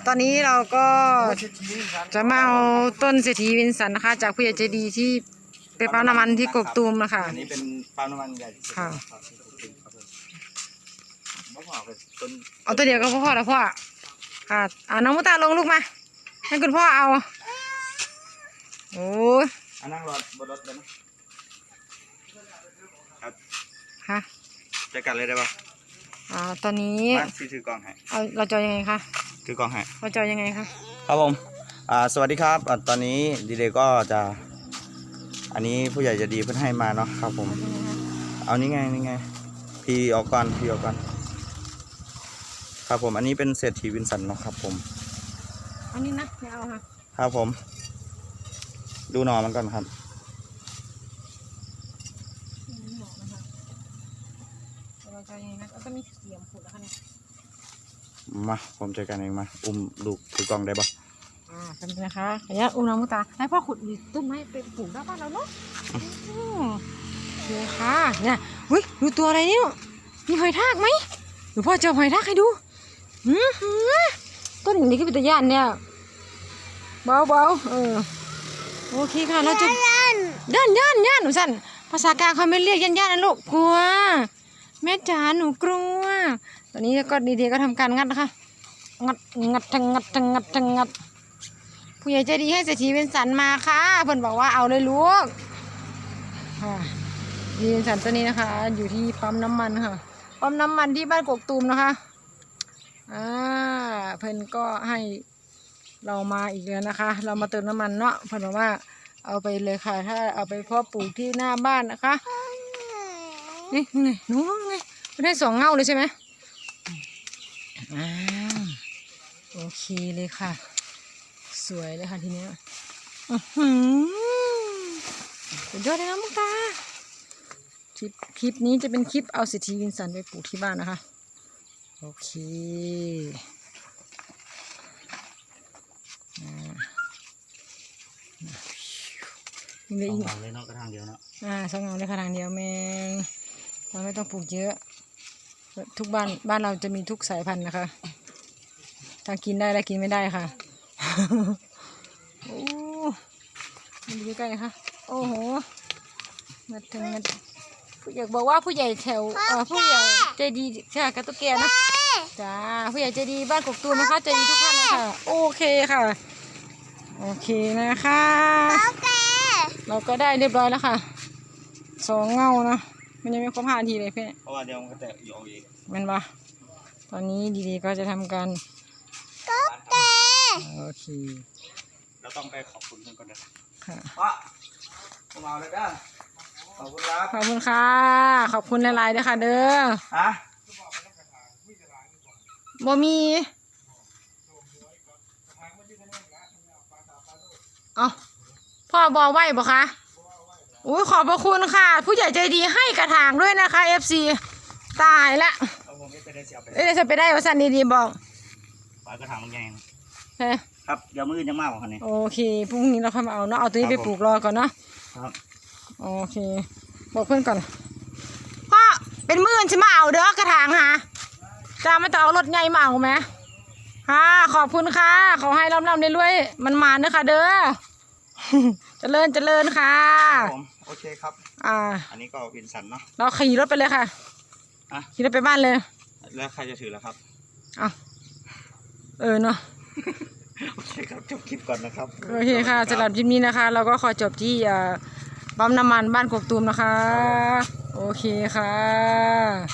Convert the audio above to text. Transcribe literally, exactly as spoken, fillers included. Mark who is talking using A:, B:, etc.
A: ตอนนี้เราก็จะมาเอาต้นเศรษฐีวินสันนะคะจากผู้ใหญ่ใจดีที่เป็นปั๊มน้ำมันที่กกตูมนะคะ
B: อันนี้เป็นปั๊มน้ำมันใหญ่ที่สุดค่ะ
A: เอาตัวเดียวก็พ่อแล้วพ่อค่ะอ่าน้องมุตาลงลูกมาให้คุณพ่อเอาโอ้ย
B: อันนั่งรถบนรถเลยนะครับ
A: ค่ะ
B: จะกัดเลยได้ปะ
A: อ่าตอนนี้
B: พี่ถือกล่องให้
A: เอาเราจะยังไงคะ
B: ถือกล่องให้
A: เราจะยังไงคะ
B: ครับผมอ่าสวัสดีครับตอนนี้ดีเดย์ก็จะอันนี้ผู้ใหญ่จะดีเพื่อนให้มาเนาะครับผมเอานี่ไงนี่ไงพี่ออกก่อนพี่ออกก่อนครับผมอันนี้เป็นเศรษฐีวินสันเนาะครับผม
A: อันนี้นะไม่เอาค่ะ
B: ครับผมดูหน่อมันก่อนครับ
A: เราจะยังไงนะก็มีเสียมขุดแล้วค่ะเนี่ย
B: มาผมจัดการเองมาอุ้มลูกถือกล่องได้ปะ
A: อ่าทำนะคะขออนุญาตอุ้มน้องมุตาให้พ่อขุดต้นไม้ไปปลูกหน้าบ้านเราเนาะเดี๋ยวค่ะเนี่ยอุ้ยดูตัวอะไรเนี่ยมีหอยทากไหมหรือพ่อจะหอยทากให้ดูอือหือต้นนี้ก็เป็นตะย่านเนี่ยเบาเบาเออโอเคค่ะเราจะย่านย่านย่านย่านหนูสั่นภาษากลางเขาไม่เรียกย่านย่านนะลูกกลัวแม่จ๋าหนูกลัวตอนนี้ก็ดีๆก็ทำการงัดนะคะงัดงัดทั้งงัดทั้งงัดทั้งงัดผู้ใหญ่ใจดีให้เศรษฐีเป็นสันมาค่ะเพิ่นบอกว่าเอาเลยลูกค่ะดีเป็นสันตัวนี้นะคะอยู่ที่ปั๊มน้ำมันค่ะปั๊มน้ำมันที่บ้านกกตูมนะคะอ่าเพิ่นก็ให้เรามาอีกแล้วนะคะ เรามาเติมน้ำมันเนาะเพิ่นบอกว่าเอาไปเลยค่ะถ้าเอาไปเพาะปลูกที่หน้าบ้านนะคะนี่ไงหนูไงไม่ได้สองเงาเลยใช่ไหมอ่าโอเคเลยค่ะสวยเลยค่ะทีนี้อือหือสุดยอดเลยนะมุกตาคลิปคลิปนี้จะเป็นคลิปเอาเศรษฐีวินสันไปปลูกที่บ้านนะคะโอเค
B: สองเงาเลยเนาะกระถางเดียวเนาะ
A: อ่าสองเงาเลยกระถางเดียวแมงเราไม่ต้องปลูกเยอะทุกบ้านบ้านเราจะมีทุกสายพันธุ์นะคะถ้ากินได้และกินไม่ได้ค่ะโอ้มันอยู่ใกล้นะคะโอ้โหมาถึงมาผู้ใหญ่บอกว่าผู้ใหญ่แถวผู้ใหญ่ใจดีใช่กระตุกแกนะจ้าผู้ใหญ่ใจดีบ้านกกตูมนะคะใจดีทุกท่านนะคะโอเคค่ะโอเคนะคะเราก็ได้เรียบร้อยแล้วค่ะสองเงานะมันยังไม่ครบห้านาทีเลยเพื่อน
B: เพราะว่าเดี๋ยวมันก็จะอยู่เอาเอง
A: มันปะตอนนี้ดีๆก็จะทำการโอเค
B: เราต้องไปขอบคุณก่อนนะ
A: ค่ะ
B: ว่าผมเอาเลยด้าขอบคุณครับ
A: ขอบคุณค่ะขอบคุณหลายๆด้วยค่ะเด้อ
B: ฮะ
A: บ่มีเอาพ่อบอกไว้บ่คะอุ้ยขอบพระคุณค่ะผู้ใหญ่ใจดีให้กระถางด้วยนะคะ เอฟ ซี ตายละเอ้ยจะไปได้ว่าสันดีๆบอก
B: ปลากระถางมันใหญ่
A: เฮ้
B: ครับเดี๋ยวมือจะมากกว่าคันนี้
A: โอเคพรุ่งนี้เราค่อยมาเอาเนาะเอาตัวนี้ไปปลูกรอก่อนเนาะ
B: ครับ
A: โอเคบอกเพื่อนก่อนพ่อเป็นมื่นใช่ไหมเอาเด้อกระถางฮะจะไม่ต้องเอารถใหญ่มาเอาไหมค่ะขอบคุณค่ะขอให้ร่ำๆได้รวยมันมาเด้อค่ะเด้อเจริญเจริญค่ะ
B: ผมโอเคครับ
A: อ่า
B: อันนี้ก็วินสันเนาะ
A: เราขี่รถไปเลยค่ะขี่รถไปบ้านเลย
B: แล้วใครจะถือแล้วครับ
A: อ่ะเออเนาะ
B: โอเคครับจบคลิปก่อนนะครับ
A: โอเคค่ะสำหรับคลิปนี้นะคะเราก็ขอจบที่ปั๊มน้ำมันบ้านกกตูมนะคะโอเคค่ะ